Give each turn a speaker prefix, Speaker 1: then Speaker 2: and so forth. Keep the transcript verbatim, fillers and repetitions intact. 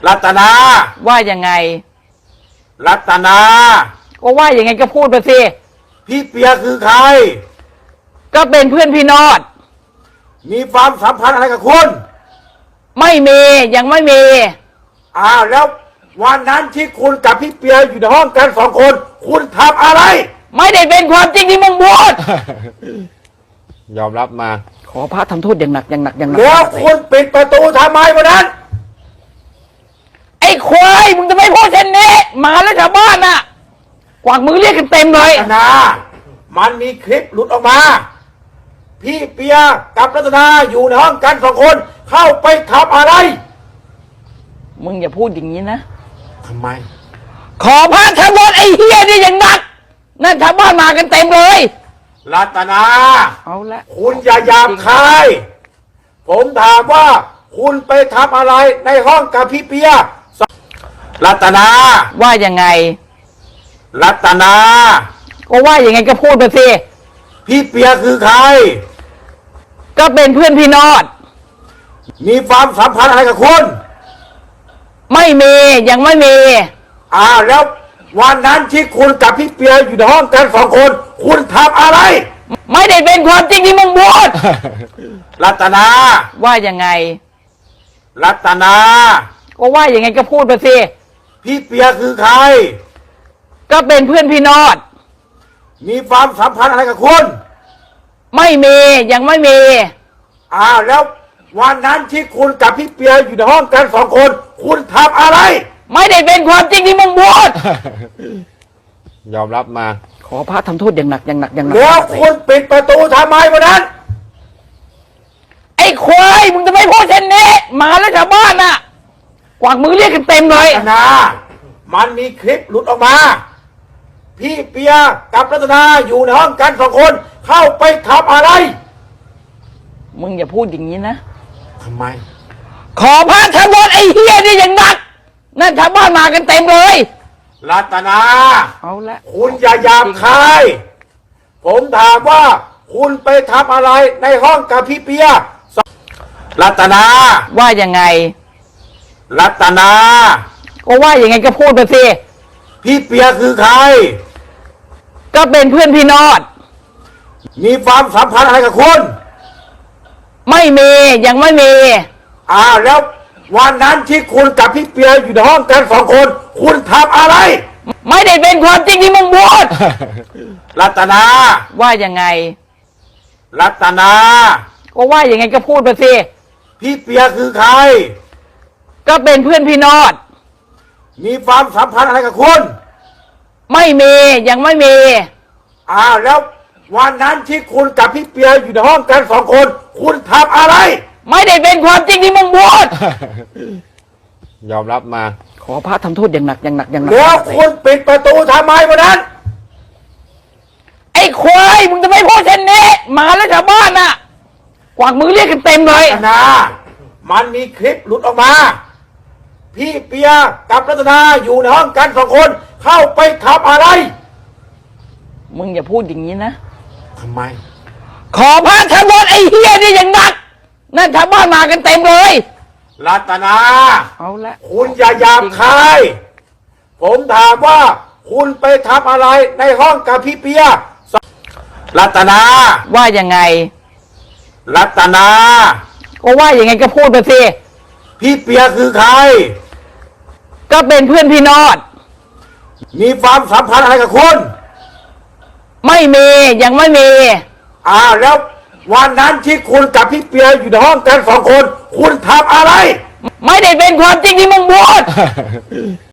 Speaker 1: รัตนา
Speaker 2: ว่ายังไง
Speaker 1: รัตนา
Speaker 2: ก็ว่ายังไงก็พูดไปสิ
Speaker 1: พี่เปียคือใคร
Speaker 2: ก็เป็นเพื่อนพี่นอด
Speaker 1: มีความสัมพันธ์อะไรกับคุณ
Speaker 2: ไม่มียังไม่มี
Speaker 1: อ้าวแล้ววันนั้นที่คุณกับพี่เปียอยู่ในห้องกันสองคน คุณทำอะไร
Speaker 2: ไม่ได้เป็นความจริงที่มึงพูด
Speaker 3: ยอมรับมา
Speaker 2: ขอพระทำโทษอย่างหนักอย่างหนักอย่างหนัก
Speaker 1: แล้วคุณปิดประตูทำไมวันนั้น
Speaker 2: ไอ้ควายมึงจะไม่พูดเช่นนี้หมาแล้วชาวบ้านน่ะกวางมือเรียกกันเต็มเลย
Speaker 1: รัตนา มันมีคลิปหลุดออกมา พี่เปียกับรัตนาอยู่ในห้องกันสองคน เข้าไปทำอะไร
Speaker 2: มึงอย่าพูดอย่างนี้นะ
Speaker 1: ทำไม
Speaker 2: ขอพระทำโทษไอ้เฮียนี่อย่างหนักนั่นชาวบ้านมากันเต็มเลย
Speaker 1: รัตนา
Speaker 2: เอาละ
Speaker 1: คุณอย่าหยาบคาย ผมถามว่า คุณไปทำอะไรในห้องกับพี่เปีย รัตนา
Speaker 2: ว่ายังไง
Speaker 1: รัตนา
Speaker 2: ก็ว่ายังไงก็พูดไปสิ
Speaker 1: พี่เปียคือใคร
Speaker 2: ก็เป็นเพื่อนพี่นอด
Speaker 1: มีความสัมพันธ์อะไรกับคุณ
Speaker 2: ไม่มียังไม่มี
Speaker 1: อ้าวแล้ววันนั้นที่คุณกับพี่เปียอยู่ในห้องกันสองคน คุณทำอะไร
Speaker 2: ไม่ได้เป็นความจริงที่มึงพูด
Speaker 1: รัตนา
Speaker 2: ว่ายังไง
Speaker 1: รัตนา
Speaker 2: ก็ว่ายังไงก็พูดไปสิ
Speaker 1: พี่เปียคือใคร
Speaker 2: ก็เป็นเพื่อนพี่นอด
Speaker 1: มีความสัมพันธ์อะไรกับคุณ
Speaker 2: ไม่มียังไม่มี
Speaker 1: อ้าวแล้ววันนั้นที่คุณกับพี่เปียอยู่ในห้องกันสองคน คุณทำอะไร
Speaker 2: ไม่ได้เป็นความจริงที่มึงพูด
Speaker 3: ยอมรับมา
Speaker 2: ขอพระทำโทษอย่างหนักอย่างหนักอย่างหนัก
Speaker 1: แล้วคุณปิดประตูทำไมวันนั้น
Speaker 2: ไอ้ควายมึงจะไม่พูดเช่นนี้หมาแล้วชาวบ้านน่ะกวางมือเรียกกันเต็มเลย
Speaker 1: รัตนา มันมีคลิปหลุดออกมา พี่เปียกับรัตนาอยู่ในห้องกันสองคน เข้าไปทำอะไร
Speaker 2: มึงอย่าพูดอย่างนี้นะ
Speaker 1: ทำไม
Speaker 2: ขอพระทำโทษไอ้เฮียนี่อย่างหนักนั่นชาวบ้านมากันเต็มเลย
Speaker 1: รัตนา
Speaker 2: เอาละ
Speaker 1: คุณอย่าหยาบคาย ผมถามว่า คุณไปทำอะไรในห้องกับพี่เปีย รัตนา
Speaker 2: ว่ายังไง
Speaker 1: รัตนา
Speaker 2: ก็ว่ายังไงก็พูดไปสิ
Speaker 1: พี่เปียคือใคร
Speaker 2: ก็เป็นเพื่อนพี่นอด
Speaker 1: มีความสัมพันธ์อะไรกับคุณ
Speaker 2: ไม่มียังไม่มี
Speaker 1: อ้าวแล้ววันนั้นที่คุณกับพี่เปียอยู่ในห้องกันสองคน คุณทำอะไร
Speaker 2: ไม่ได้เป็นความจริงที่มึงพูด
Speaker 1: รัตนา
Speaker 2: ว่ายังไง
Speaker 1: รัตนา
Speaker 2: ก็ว่ายังไงก็พูดไปสิ
Speaker 1: พี่เปียคือใคร
Speaker 2: ก็เป็นเพื่อนพี่นอด
Speaker 1: มีความสัมพันธ์อะไรกับคุณ
Speaker 2: ไม่มียังไม่มี
Speaker 1: อ้าวแล้ววันนั้นที่คุณกับพี่เปียอยู่ในห้องกันสองคน คุณทำอะไร
Speaker 2: ไม่ได้เป็นความจริงที่มึงพูด
Speaker 3: ยอมรับมา
Speaker 2: ขอพระทำโทษอย่างหนักอย่างหนักอย่างหนัก
Speaker 1: แล้วคุณปิดประตูทำไมวันนั้น
Speaker 2: ไอ้ควายมึงจะไม่พูดเช่นนี้หมาแล้วชาวบ้านน่ะกวางมือเรียกกันเต็มเลย
Speaker 1: รัตนา มันมีคลิปหลุดออกมา พี่เปียกับรัตนาอยู่ในห้องกันสองคน เข้าไปทำอะไร
Speaker 2: มึงอย่าพูดอย่างนี้นะ
Speaker 1: ทำไม
Speaker 2: ขอพระทำโทษไอ้เฮียนี่อย่างหนักนั่นชาวบ้านมากันเต็มเลย
Speaker 1: รัตนา
Speaker 2: เอาละ
Speaker 1: คุณอย่าหยาบคาย ผมถามว่า คุณไปทำอะไรในห้องกับพี่เปีย รัตนา
Speaker 2: ว่ายังไง
Speaker 1: รัตนา
Speaker 2: ก็ว่ายังไงก็พูดไปสิ
Speaker 1: พี่เปียคือใคร
Speaker 2: ก็เป็นเพื่อนพี่นอด
Speaker 1: มีความสัมพันธ์อะไรกับคุณ
Speaker 2: ไม่มียังไม่มี
Speaker 1: อ้าวแล้ววันนั้นที่คุณกับพี่เปียอยู่ในห้องกันสองคน คุณทำอะไร
Speaker 2: ไม่ได้เป็นความจริงที่มึงพูด